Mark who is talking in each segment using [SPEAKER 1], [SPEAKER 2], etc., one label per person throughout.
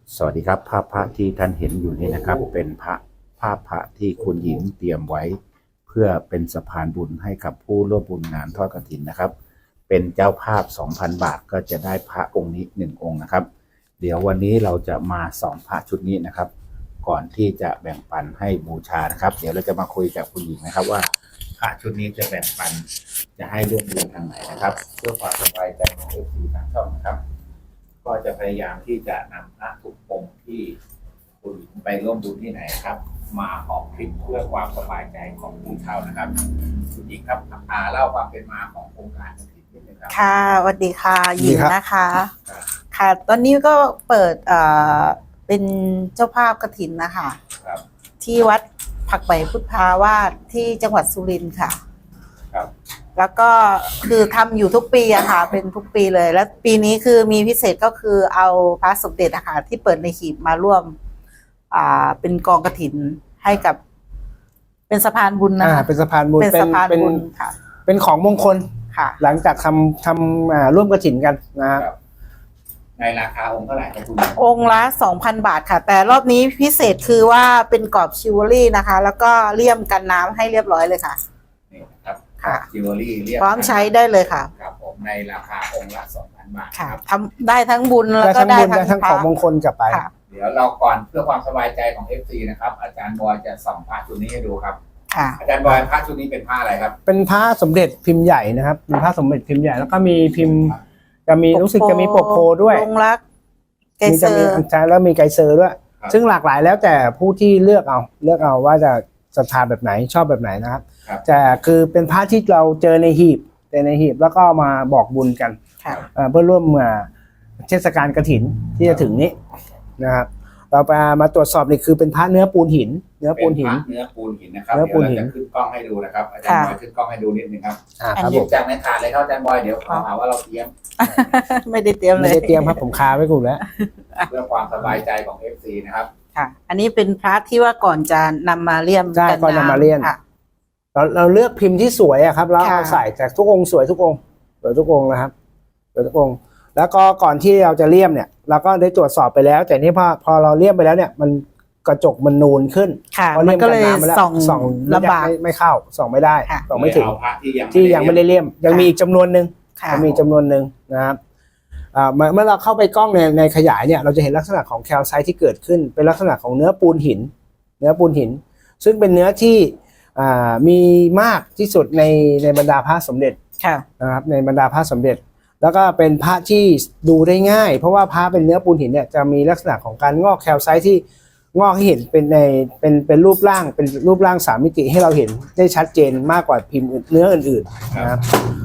[SPEAKER 1] สวัสดีครับภาพพระที่ท่านเห็นอยู่นี้นะครับเป็นภาพพระที่คุณหญิงเตรียมไว้เพื่อเป็นสะพานบุญให้กับผู้ร่วมบุญงานทอดกฐินนะครับเป็นเจ้าภาพ 2,000 บาทก็จะได้พระองค์นี้1องค์นะครับเดี๋ยววันนี้เราจะมาส่องพระชุดนี้นะครับก่อนที่จะแบ่งปันให้บูชานะครับเดี๋ยวเราจะมาคุยกับคุณหญิงนะครับว่าพระชุดนี้จะแบ่งปันจะให้ร่วมบุญทางไหนนะครับเพื่อความสบายใจของ FC ทางช่องนะครับก็จะพยายามที่จะนำพระทุกองค์ที่คุณไปร่วมบุญที่ไหนครับมาออกคลิปเพื่อความสบายใจของผู้เช่านะครับคุณหญิงครับเล่าความเป็นมาของโครงการกฐินนิดนึงครับ
[SPEAKER 2] ค่ะสวัสดีค่ะหญิงนะคะ
[SPEAKER 1] ครับ
[SPEAKER 2] ค่ะตอนนี้ก็เปิดเป็นเจ้าภาพกฐินนะคะ
[SPEAKER 1] ครับ
[SPEAKER 2] ที่วัดผักใบพุทธาวาสที่จังหวัดสุรินทร์ค่ะ
[SPEAKER 1] ครับ
[SPEAKER 2] แล้วก็คือทำอยู่ทุกปีอะค่ะเป็นทุกปีเลย แล้วปีนี้คือมีพิเศษก็คือเอาพระสมเด็จอะค่ะที่เปิดในหีบมาร่วมเป็นกองกฐินให้กับเป็นสะพานบุญนะคะ
[SPEAKER 3] เป็นสะพานบุญ
[SPEAKER 2] เป็นสะพานบุญค่ะ
[SPEAKER 3] เป็นของมงคล
[SPEAKER 2] ค่ะ
[SPEAKER 3] หลังจากทำร่วมกฐินกันนะครับ
[SPEAKER 1] ในราคาองค์เท่าไหร่ครับคุณ
[SPEAKER 2] องค์ละ 2,000 บาทค่ะ แต่รอบนี้พิเศษคือว่าเป็นกรอบชิวเวลรี่นะคะ แล้วก็เลี่ยมกันน้ำให้เรียบร้อยเลยค่ะ
[SPEAKER 1] นี่นะครับ
[SPEAKER 2] ค่ะ
[SPEAKER 1] จิวเวลรี่เรียบ
[SPEAKER 2] พร้อมใช้ได้เลยค่ะ
[SPEAKER 1] ครับผมในราคาองค์ละ 2,000 บาท
[SPEAKER 2] ค่ะ
[SPEAKER 1] ครับ
[SPEAKER 2] ทำได้ทั้งบุญแล้ว
[SPEAKER 3] ได้
[SPEAKER 2] ก็
[SPEAKER 3] ทั้ง
[SPEAKER 2] ได้
[SPEAKER 3] บุญได้
[SPEAKER 2] ทั้
[SPEAKER 3] ทั้
[SPEAKER 2] ง
[SPEAKER 3] งของมงคลกลับไป
[SPEAKER 2] ค่ะ
[SPEAKER 1] เดี๋ยวเราก่อนเพื่อความสบายใจของ FC นะครับอาจารย์บอยจะส่องพระชุดนี้ให้ดูครับ
[SPEAKER 2] ค่ะ
[SPEAKER 1] อาจารย์บอยพระชุดนี้เป็นผ้าอะไรครับ
[SPEAKER 3] เป็นพระสมเด็จพิมพ์ใหญ่นะครับเป็นพระสมเด็จพิมพ์ใหญ่แล้วก็มีพิมพ์จะมีรู้สึกจะมีปกโพด้วย
[SPEAKER 2] ลงรักไก
[SPEAKER 3] มี
[SPEAKER 2] เซ
[SPEAKER 3] จะ
[SPEAKER 2] อ
[SPEAKER 3] มี
[SPEAKER 2] ร์
[SPEAKER 3] อัญชันแล้วมีไกเซอร์ด้วย
[SPEAKER 1] ครับ
[SPEAKER 3] ซึ่งหลากหลายแล้วแต่ผู้ที่เลือกเอาว่าจะศรัทธาแบบไหนชอบแบบไหนนะครับ
[SPEAKER 1] ครับ
[SPEAKER 3] แต่คือเป็นพระที่เราเจอในหีบแล้วก็มาบอกบุญกัน
[SPEAKER 2] ค่ะ
[SPEAKER 3] เพื่อร่วมเทศกาลกฐินที่จะถึงนี้นะครับเรามาตรวจสอบนี่คือเป็นพระเนื้อปูนหิน
[SPEAKER 1] เป็นพระเนื้อปูนหินนะครับ
[SPEAKER 3] เนื้อปู
[SPEAKER 1] เดี๋ยวน เรา
[SPEAKER 3] หิน
[SPEAKER 1] จะขึ้นกล้องให้ดูนะครับอาจารย์บอยขึ้นกล้องให้ดูนิดนึงครับ
[SPEAKER 3] ครับ
[SPEAKER 1] หยิบจากในถาดเลยครับอาจารย์บอยเดี๋ยวเขาหาว่าเราเตรียม
[SPEAKER 2] ไม่ได้เตรียมเล
[SPEAKER 3] ไม่
[SPEAKER 2] ย
[SPEAKER 3] ได้เตรียมครับผมคาไว้กูแล้ว
[SPEAKER 1] เพื่อความสบายใจของ FC นะครับ
[SPEAKER 2] ค่ะ อันนี้เป็นพระที่ว่าก่อนจะนำมาเลี่ยม
[SPEAKER 3] ใช่ก่อนนำมาเลี่ยม
[SPEAKER 2] ค่ะ
[SPEAKER 3] เราเลือกพิมพ์ที่สวยอะครับแล้วเอา
[SPEAKER 2] ค่ะ
[SPEAKER 3] ใส่แต่ทุกองค์สวยทุกองค์นะครับสวยทุกองค์แล้วก็ก่อนที่เราจะเลี่ยมเนี่ยเราก็ได้ตรวจสอบไปแล้ว แต่นี่พอเราเลี่ยมไปแล้วเนี่ยมันกระจกมันนูนขึ้น
[SPEAKER 2] ค่ะ
[SPEAKER 3] พอ
[SPEAKER 2] มัน
[SPEAKER 3] เลี่ยม
[SPEAKER 2] ก็
[SPEAKER 3] กัน
[SPEAKER 2] เลย
[SPEAKER 3] น้ำมาแล้ว
[SPEAKER 2] ส่อง
[SPEAKER 3] ลำ
[SPEAKER 2] ลำบาก
[SPEAKER 3] ไม่เข้าส่องไม่ได้
[SPEAKER 2] ค่ะ
[SPEAKER 3] ส่องไม่ถึง
[SPEAKER 1] เอาพระที่
[SPEAKER 3] ที่ยังไม่ได้เลี่ยมยังมีอีกจำนวนหนึ่ง
[SPEAKER 2] ค่ะ
[SPEAKER 3] ยังมีอีกจำนวนหนึ่งนะครับเมื่อเราเข้าไปกล้องในขยายเนี่ยเราจะเห็นลักษณะของแคลไซต์ที่เกิดขึ้นเป็นลักษณะของเนื้อปูนหิน ซึ่งเป็นเนื้อที่มีมากที่สุดในบรรดาพระสมเด็จ
[SPEAKER 2] ค่ะ
[SPEAKER 3] นะครับในบรรดาพระสมเด็จ แล้วก็เป็นพระที่ดูได้ง่าย เพราะว่าพระเป็นเนื้อปูนหินเนี่ยจะมีลักษณะของการงอกแคลไซต์ที่งอกให้เห็นเป็นรูปร่างสามมิติให้เราเห็นได้ชัดเจนมากกว่าพิมพ์เนื้ออื่นๆนะครับ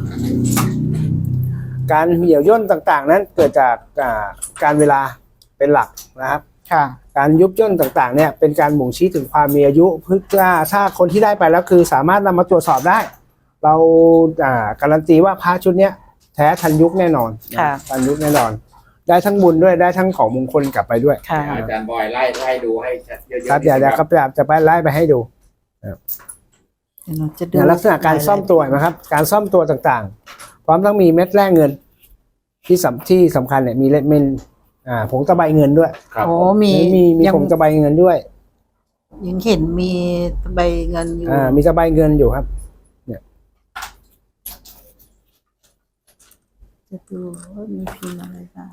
[SPEAKER 3] การเหี่ยวย่นต่างๆนั้นเกิดจากการเวลาเป็นหลักนะครับ
[SPEAKER 2] ค่ะ
[SPEAKER 3] การยุบย่นต่างๆเนี่ยเป็นการบ่งชี้ถึงความมีอายุเพื่อถ้าคนที่ได้ไปแล้วคือสามารถนำมาตรวจสอบได้ เราการันตีว่าพระชุดเนี้ยแท้ทันยุคแน่นอน
[SPEAKER 2] ค่ะ
[SPEAKER 3] ทันยุคแน่นอน ได้ทั้งบุญด้วยได้ทั้งของมงคลกลับไปด้วย
[SPEAKER 2] ค่ะ
[SPEAKER 1] อาจารย์บอยไล่ดูให้ชัดเยอะๆ
[SPEAKER 3] ครับเดี๋ยวครับจะไปไล่ไปให้ดู
[SPEAKER 2] เดี๋ยวหนูจะดู
[SPEAKER 3] เนี่ยลักษณะการซ่อมตัวนะครับ การซ่อมตัวต่างๆ พร้อมทั้งมีเม็ดแร่เงินที่สำคัญเนี่ยมีผงตะไบเงินด้วย
[SPEAKER 1] ครับ
[SPEAKER 2] โอ้
[SPEAKER 1] ผม
[SPEAKER 2] มี
[SPEAKER 3] มีผงตะไบเงินด้วย
[SPEAKER 2] ยังเห็นมีใบเงินอยู่
[SPEAKER 3] มีตะไบเงินอยู่ครับ
[SPEAKER 2] จะดูว่ามีพิมพ์อะไรบ้าง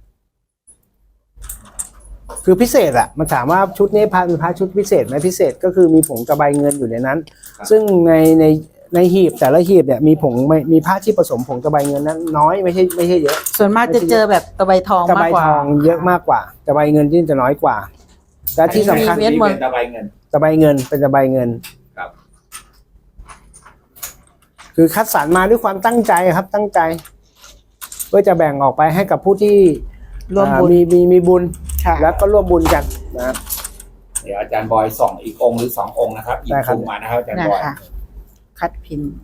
[SPEAKER 3] คือพิเศษอะมันถามว่าชุดนี้เป็นพระชุดพิเศษไหมพิเศษก็คือมีผงตะไบเงินอยู่ในนั้น ซึ่งในหีบแต่ละหีบเนี่ยมีผ้าที่ผสมผงตะไบเงินนั้นน้อยไม่ใช่เยอะ
[SPEAKER 2] ส่วนมากจะเจอแบบตะไบทอง
[SPEAKER 3] ตะไบ
[SPEAKER 2] มากกว่า
[SPEAKER 3] ทองเยอะมากกว่าตะไบเงินที่จะน้อยกว่าและที่สำคัญ
[SPEAKER 2] เม็ด
[SPEAKER 1] นี่
[SPEAKER 2] หมด
[SPEAKER 1] เป็นตะไบเงิน
[SPEAKER 3] ตะไบเงินเป็นตะไบเงิน
[SPEAKER 1] ครับ
[SPEAKER 3] คือคัดสรรมาด้วยความตั้งใจครับตั้งใจ เพื่อจะแบ่งออกไปให้กับผู้ที่
[SPEAKER 2] ร่วมบุญ
[SPEAKER 3] มีบุญ
[SPEAKER 2] ค่ะ
[SPEAKER 3] แล้วก็ร่วมบุญกันนะครับ
[SPEAKER 1] เดี๋ยวอาจารย์บอยส่องอีกองค์หรือ2 องค์นะครับหยิบ
[SPEAKER 3] ได้ครับ
[SPEAKER 1] ถุงมานะครับอาจารย์
[SPEAKER 2] นะ
[SPEAKER 1] บอย
[SPEAKER 2] คะคัดพิมพ์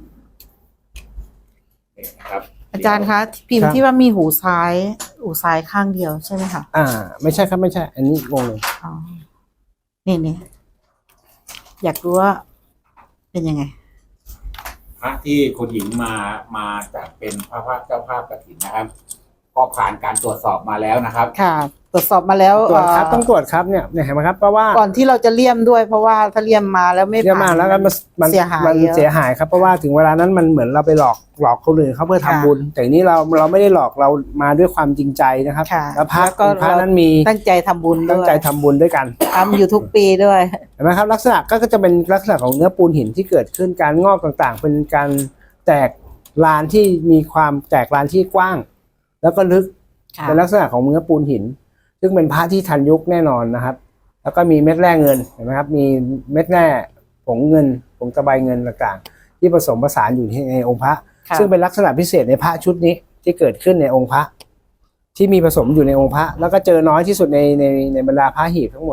[SPEAKER 1] นี่นะครับ
[SPEAKER 2] อาจารย์คะพิมพ์ที่ว่ามีหูซ้ายข้างเดียวใช่ไหมคะ
[SPEAKER 3] ไม่ใช่ครับไม่ใช่ อันนี้งงเลย
[SPEAKER 2] อ๋อนี่อยากรู้ว่าเป็นยังไง
[SPEAKER 1] พระที่คุณหญิงมาจากเป็นพระเจ้าภาพกฐินนะครับก็ผ่านการตรวจสอบมาแล้วนะครับ
[SPEAKER 2] ค่ะตรวจสอบมาแล้ว
[SPEAKER 3] ตรวจครับต้องตรวจครับเนี่ยเห็นไหมครับเพราะว่า
[SPEAKER 2] ก่อนที่เราจะเลี่ยมด้วยเพราะว่าถ้าเลี่ยมมาแล้วไม่
[SPEAKER 3] เยอะ
[SPEAKER 2] ผ่าม
[SPEAKER 3] าก
[SPEAKER 2] น
[SPEAKER 3] แล้วก็มัน
[SPEAKER 2] เสียหาย
[SPEAKER 3] มัน
[SPEAKER 2] เยอะ
[SPEAKER 3] เสียหายครับเพราะว่าถึงเวลานั้นมันเหมือนเราไปหลอกคนอื่นเขาเพื่อทำ
[SPEAKER 2] ค่ะ
[SPEAKER 3] บุญแต่นี้เราไม่ได้หลอกเรามาด้วยความจริงใจนะครับ
[SPEAKER 2] ค่ะ
[SPEAKER 3] แล้วพระ
[SPEAKER 2] แล้วก็
[SPEAKER 3] พระนั้นมี
[SPEAKER 2] ตั้งใจทำบุญ
[SPEAKER 3] ตั้ง
[SPEAKER 2] ด้วย
[SPEAKER 3] ใจทำบุญด้วยกัน
[SPEAKER 2] ทำอยู่ทุกปีด้วย
[SPEAKER 3] เห็นไหมครับลักษณะก็จะเป็นลักษณะของเนื้อปูนหินที่เกิดขึ้นการงอกต่างๆ เป็นการแตกลานที่มีความแตกลานที่กว้าง แล้วก็ลึก
[SPEAKER 2] ค่ะ
[SPEAKER 3] เป็นลักษณะของเนื้อปูนหิน ซึ่งเป็นพระที่ทันยุคแน่นอนนะครับ แล้วก็มีเม็ดแร่เงินเห็นไหมครับมีเม็ดแร่ผงเงินผงตะไบเงินต่างๆ ที่ผสมผสานอยู่ในองค์พระ
[SPEAKER 2] ค่ะ
[SPEAKER 3] ซึ่งเป็นลักษณะพิเศษในพระชุดนี้ที่เกิดขึ้นในองค์พระ ที่มีผสมอยู่ในองค์พระ แล้วก็เจอน้อยที่สุดในบรรดาพระหีบทั้งหมด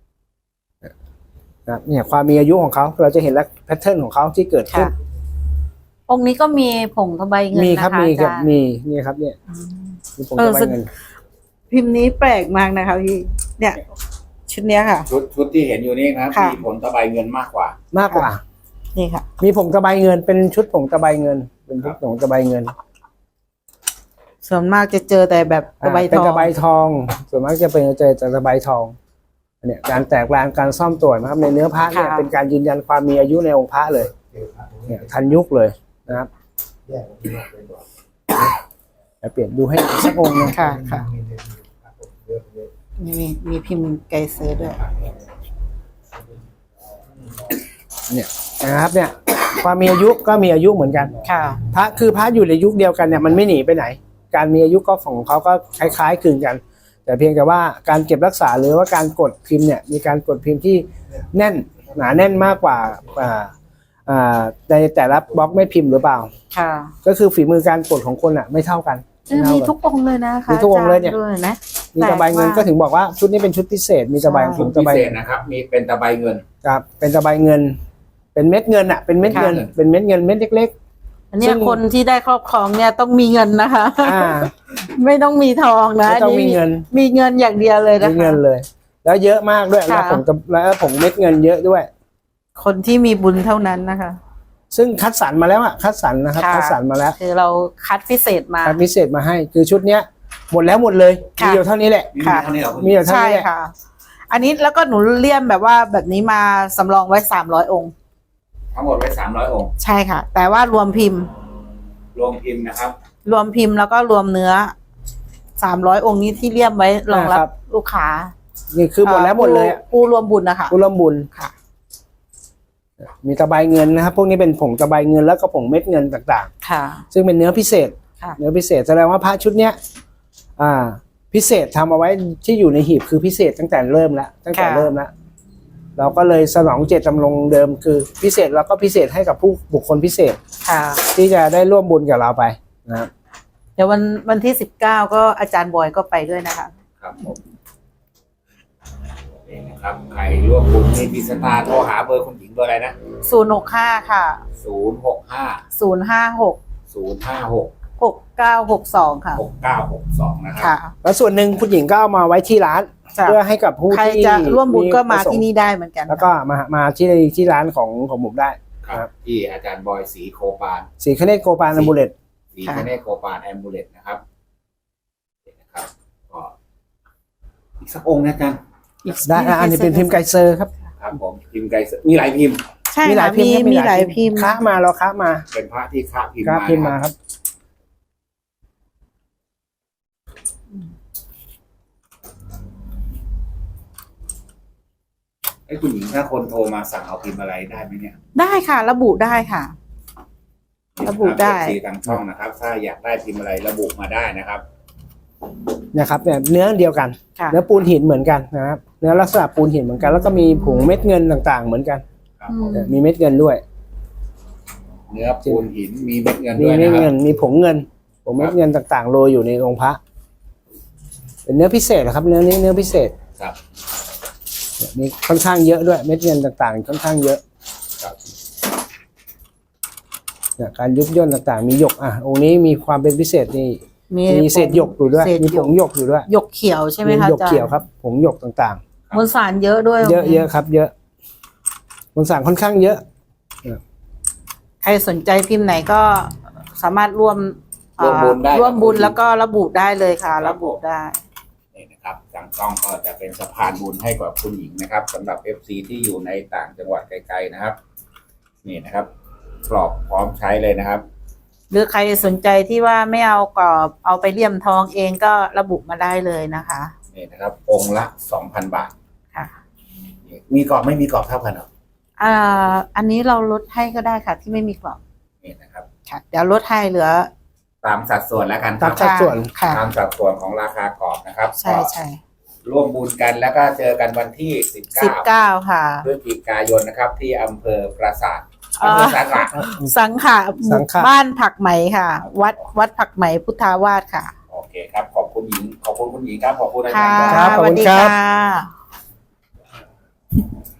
[SPEAKER 3] นะครับเนี่ยความมีอายุของเขาเราจะเห็นลักษณะแพทเทิร์นของเขาที่เกิดขึ้น
[SPEAKER 2] ค่ะ องค์นี้ก็มีผงทบายเงิน
[SPEAKER 3] มี
[SPEAKER 2] นะ
[SPEAKER 3] ครั
[SPEAKER 2] คะ
[SPEAKER 3] มี
[SPEAKER 2] อา
[SPEAKER 3] ครั
[SPEAKER 2] จา
[SPEAKER 3] บ
[SPEAKER 2] รย์
[SPEAKER 3] มีนี่ครับเนี่ยมีผงตะไบเงิน
[SPEAKER 2] พิมพ์นี้แปลกมากนะคะพี่เนี่ย ชุดเนี้ยค่ะ
[SPEAKER 1] ชุดที่เห็นอยู่นี่นะครับ
[SPEAKER 2] ค่ะ
[SPEAKER 1] มีผลตะไบเงินมากกว่า
[SPEAKER 3] มากกว่า
[SPEAKER 2] นี่ค่ะ
[SPEAKER 3] มีผงตะไบเงินเป็นชุดผงตะไบเงิน เป็นชุดผงตะไบเงิน
[SPEAKER 2] ส่วนมากจะเจอแต่แบบตะไบท
[SPEAKER 3] เป็น
[SPEAKER 2] อง
[SPEAKER 3] ตะไบทอง ส่วนมากจะเป็นเจอแต่ตะไบทองเนี่ยการแตกลานการซ่อมตรวจนะครับในเนื้อพระเนี่ยเป็นการยืนยันความมีอายุในองค์พระเลยเนี่ยทันยุคเลยนะครับเดี๋ยวเปลี่ยนดูให้อีกสักองค์หนึง
[SPEAKER 2] ค่ะค่ะมีพิมพ์ไกเซอร์ด้วย
[SPEAKER 3] เนี่ยนะครับเนี่ยความมีอายุก็มีอายุเหมือนกัน
[SPEAKER 2] ค่ะ
[SPEAKER 3] พระคือพระอยู่ในยุคเดียวกันเนี่ยมันไม่หนีไปไหน การมีอายุก็ของเขาก็คล้ายๆคลึงกัน แต่เพียงแต่ว่าการเก็บรักษาหรือว่าการกดพิมพ์เนี่ยมีการกดพิมพ์ที่แน่นหนาแน่นมากกว่าในแต่ละบล็อกไม่พิมพ์หรือเปล่า
[SPEAKER 2] ค่ะ
[SPEAKER 3] ก็คือฝีมือการกดของคนอ่ะไม่เท่ากัน
[SPEAKER 2] มีทุกองค์เลยนะคะ
[SPEAKER 3] มีทุกองค์เลยเนี่ย
[SPEAKER 2] าจาด้วยนะ
[SPEAKER 3] มีตะไบเงินก็ถึงบอกว่าชุดนี้เป็นชุดพิเศษมีตะไบข
[SPEAKER 1] ชุ
[SPEAKER 3] อ
[SPEAKER 1] ด
[SPEAKER 3] งตะ
[SPEAKER 1] พิ
[SPEAKER 3] ไบ
[SPEAKER 1] เศษนะครับ มีเป็นตะไบเงิน
[SPEAKER 3] ครับเป็นตะไบเงิน เป็นเม็ดเงินอ่ะเป็นเม็ดเงิน
[SPEAKER 1] ค่ะ
[SPEAKER 3] เป็นเม็ดเงินเม็ดเล็ก
[SPEAKER 2] อันเนี้
[SPEAKER 3] ซึ่
[SPEAKER 2] ย
[SPEAKER 3] ง
[SPEAKER 2] คนที่ได้ครอบครองเนี่ยต้องมีเงินนะคะ
[SPEAKER 3] ๆ
[SPEAKER 2] ไม่ต้องมีทองนะ
[SPEAKER 3] ไม่ต้อง
[SPEAKER 2] น
[SPEAKER 3] มี
[SPEAKER 2] นี้
[SPEAKER 3] เงิน
[SPEAKER 2] มีเงินอย่างเดียวเลยนะ
[SPEAKER 3] มี
[SPEAKER 2] คะ
[SPEAKER 3] เงินเลย แล้วเยอะมากด้วยแล้ว
[SPEAKER 2] ค่ะ
[SPEAKER 3] ผงเม็ดเงินเยอะด้วย
[SPEAKER 2] คนที่มีบุญเท่านั้นนะคะ
[SPEAKER 3] ซึ่งคัดสรรมาแล้วอ่ะคัดสรรนะครับ
[SPEAKER 2] ค่ะ
[SPEAKER 3] คัดสรรมาแล้ว
[SPEAKER 2] คือเราคัดพิเศษมา
[SPEAKER 3] คัดพิเศษมาให้ คือชุดเนี้ยหมดแล้วหมดเลย
[SPEAKER 2] ค่ะ
[SPEAKER 3] มีอยู่เท่านี้แหละ
[SPEAKER 1] มี
[SPEAKER 2] ค่ะ
[SPEAKER 1] เท่านี้เหรอคุณ
[SPEAKER 3] มีอยู่เท่า
[SPEAKER 2] ใช่
[SPEAKER 3] นี้แหละ
[SPEAKER 2] ค่ะ อันนี้แล้วก็หนูเลี่ยมแบบว่าแบบนี้มาสำรองไว้300 องค์
[SPEAKER 1] ทั้งหมดไว้300 องค์
[SPEAKER 2] ใช่ค่ะ แต่ว่ารวมพิมพ์
[SPEAKER 1] รวมพิมพ์นะครับ
[SPEAKER 2] รวมพิมพ์แล้วก็รวมเนื้อ300 องค์นี้ที่เลี่ยมไว้รองรับลูกค้า
[SPEAKER 3] นี่คือหมดแล้วหมดเลยอะ
[SPEAKER 2] ผู้รวมบุญนะคะ
[SPEAKER 3] ผู้ร่วมบุญ
[SPEAKER 2] ค่ะ
[SPEAKER 3] มีตะไบเงินนะครับ พวกนี้เป็นผงตะไบเงินแล้วก็ผงเม็ดเงินต่าง
[SPEAKER 2] ค่ะ
[SPEAKER 3] ๆ ซึ่งเป็นเนื้อพิเศษ
[SPEAKER 2] ค่ะ
[SPEAKER 3] เนื้อพิเศษแสดงว่าพระชุดเนี้ยพิเศษทำเอาไว้ที่อยู่ในหีบคือพิเศษตั้งแต่เริ่มแล้วตั้งแต่เริ่มแล้วเราก็เลยสนองเจตจำนงเดิมคือพิเศษแล้วก็พิเศษให้กับผู้บุคคลพิเศษ
[SPEAKER 2] ค่ะ
[SPEAKER 3] ที่จะได้ร่วมบุญกับเราไปนะครับ
[SPEAKER 2] เดี๋ยววันที่19ก็อาจารย์บอยก็ไปด้วยนะคะ
[SPEAKER 1] ครับผมนี่นะครับ ใครร่วมบุญมีพิสตาร์โทรหาเบอร์คุณหญิงเบอร์อะไรนะ
[SPEAKER 2] 065ค่ะ
[SPEAKER 1] 065
[SPEAKER 2] 056
[SPEAKER 1] 056
[SPEAKER 2] 6962ค่ะ
[SPEAKER 1] 6962 นะครับ
[SPEAKER 2] ค่ะ
[SPEAKER 3] แล้วส่วนหนึ่งคุณหญิงก็เอามาไว้ที่ร้าน
[SPEAKER 2] จ้ะ
[SPEAKER 3] เพื่อให้กับผู้
[SPEAKER 2] ใคร
[SPEAKER 3] ที่
[SPEAKER 2] จะร่วมบุญก็มา
[SPEAKER 3] ประสงค์
[SPEAKER 2] ที่นี่ได้เหมือนกัน
[SPEAKER 3] แล้วก็มาที่ร้านของผมได้
[SPEAKER 1] ครับ ที่อาจารย์บอยศรีโคปาน
[SPEAKER 3] สีคเนตโกปานอัมบูเลต
[SPEAKER 1] ศรีคเนศโคปานแอมบูเลตนะครับนี่นะครับก็อีกสักองค์นะอาจารย์
[SPEAKER 3] ได้อันนี้เป็นพิมพ์ไกเซอร์ครับ
[SPEAKER 1] ครับผมพิมพ์ไกลมีหลายพิมพ์
[SPEAKER 2] ใช่
[SPEAKER 3] มีหลา
[SPEAKER 2] ค่ะ
[SPEAKER 3] ยพิมพ์ครับ
[SPEAKER 2] มีหลายพิมพ์
[SPEAKER 3] ค้ามาเราค้ามา
[SPEAKER 1] เป็นพระที่ค้าพิมพ์
[SPEAKER 3] ค้า
[SPEAKER 1] มา
[SPEAKER 3] พิมพ์มา
[SPEAKER 1] นะครับ ไอ้คุณหญิงถ้าคนโทรมาสั่งเอาพิมพ์อะไรได้ไหมเนี่ย
[SPEAKER 2] ได้ค่ะ ระบุได้ค่ะ ระบุได้
[SPEAKER 1] ทีทางช่องนะครับ ถ้าอยากได้พิมพ์อะไรระบุมาได้นะครับ
[SPEAKER 3] นะครับเนี่ยเนื้อเดียวกัน
[SPEAKER 2] ค่ะ
[SPEAKER 3] เนื้อปูนหินเหมือนกันนะครับเนื้อลักษณะปูนหินเหมือนกันแล้วก็มีผงเม็ดเงินต่างๆ เหมือนกัน
[SPEAKER 1] ครับ
[SPEAKER 2] อืม
[SPEAKER 3] มีเม็ดเงินด้วย
[SPEAKER 1] เนื้อปูนหินมีเม็ดเงิน
[SPEAKER 3] มี
[SPEAKER 1] ด้วย
[SPEAKER 3] เม็
[SPEAKER 1] นะ
[SPEAKER 3] ด
[SPEAKER 1] ค
[SPEAKER 3] เงิ
[SPEAKER 1] รับ
[SPEAKER 3] นมีผงเงินผงเม็ดเงินต่างๆโรยอยู่ในองค์พระเป็นเนื้อพิเศษนะครับเนื้อนี้เนื้อพิเศษ
[SPEAKER 1] ครับ
[SPEAKER 3] เนี่ยมีค่อนข้างเยอะด้วยเม็ดเงินต่างๆค่อนข้างเยอะ
[SPEAKER 1] ครับ
[SPEAKER 3] เนี่ยการยุบย่นต่างๆ มีหยกองค์นี้มีความเป็นพิเศษนี่มีเศษหยกอยู่ด้วย
[SPEAKER 2] เศษ
[SPEAKER 3] มี
[SPEAKER 2] ห
[SPEAKER 3] ผ
[SPEAKER 2] ยก
[SPEAKER 3] งหยกอยู่ด้วย
[SPEAKER 2] หยกเขียวใช่ไหม
[SPEAKER 3] มี
[SPEAKER 2] คะ
[SPEAKER 3] หยก
[SPEAKER 2] อาจาร
[SPEAKER 3] เขียว
[SPEAKER 2] ย์
[SPEAKER 3] ครับผงหยกต่าง
[SPEAKER 2] มวลสารเยอะด้วย
[SPEAKER 3] ๆ เยอะๆครับ เยอะมวลสารค่อนข้างเยอะ
[SPEAKER 2] ใครสนใจพิมพ์ไหนก็สามารถร่วม
[SPEAKER 1] ร่วมบุญได้
[SPEAKER 2] ร่วมบุญแล้วก็ระบุได้เลยค่ะ ระบุได้
[SPEAKER 1] นี่นะครับตั้งกล้องก็จะเป็นสะพานบุญให้กับคุณหญิงนะครับสำหรับ FC ที่อยู่ในต่างจังหวัดไกลๆนะครับนี่นะครับกรอบพร้อมใช้เลยนะครับ
[SPEAKER 2] หรือใครสนใจที่ว่าไม่เอากรอบเอาไปเลี่ยมทองเองก็ระบุมาได้เลยนะคะ
[SPEAKER 1] นี่นะครับองค์ละ 2,000 บาท
[SPEAKER 2] ค่ะ
[SPEAKER 1] มีกรอบไม่มีกรอบเท่ากันเหรอ
[SPEAKER 2] อันนี้เราลดให้ก็ได้ค่ะ ที่ไม่มีกรอบ
[SPEAKER 1] นี่นะครับ
[SPEAKER 2] ค่ะ เดี๋ยวลดให้เหลือ
[SPEAKER 1] ตามสัดส่วนแล้วกันค
[SPEAKER 3] ตา
[SPEAKER 1] รั
[SPEAKER 3] ม
[SPEAKER 1] บ
[SPEAKER 3] สัดส่วน
[SPEAKER 2] ค่ะ
[SPEAKER 1] ตามสัดส่วนของราคากรอบนะครับ
[SPEAKER 2] ใช่ใช่
[SPEAKER 1] ก็ร่วมบุญกันแล้วก็เจอกันวันที่
[SPEAKER 2] 19 ค่ะ
[SPEAKER 1] 19 พฤศจิกายนนะครับ ที่อำเภอปราสาทอำเภอสังขะ
[SPEAKER 2] สังขะ
[SPEAKER 3] สังขะ
[SPEAKER 2] บ้านผักไหมค่ะ วัดผักไหมพุทธาวาสค่ะ
[SPEAKER 1] โอเคครับขอบคุณหญิงขอบคุณคุณหญิงครับขอบคุณอาจา
[SPEAKER 2] ค่ะ
[SPEAKER 1] รย์
[SPEAKER 3] ครับ
[SPEAKER 2] สวัสดี
[SPEAKER 3] ขอบคุณครับ
[SPEAKER 2] ค่ะ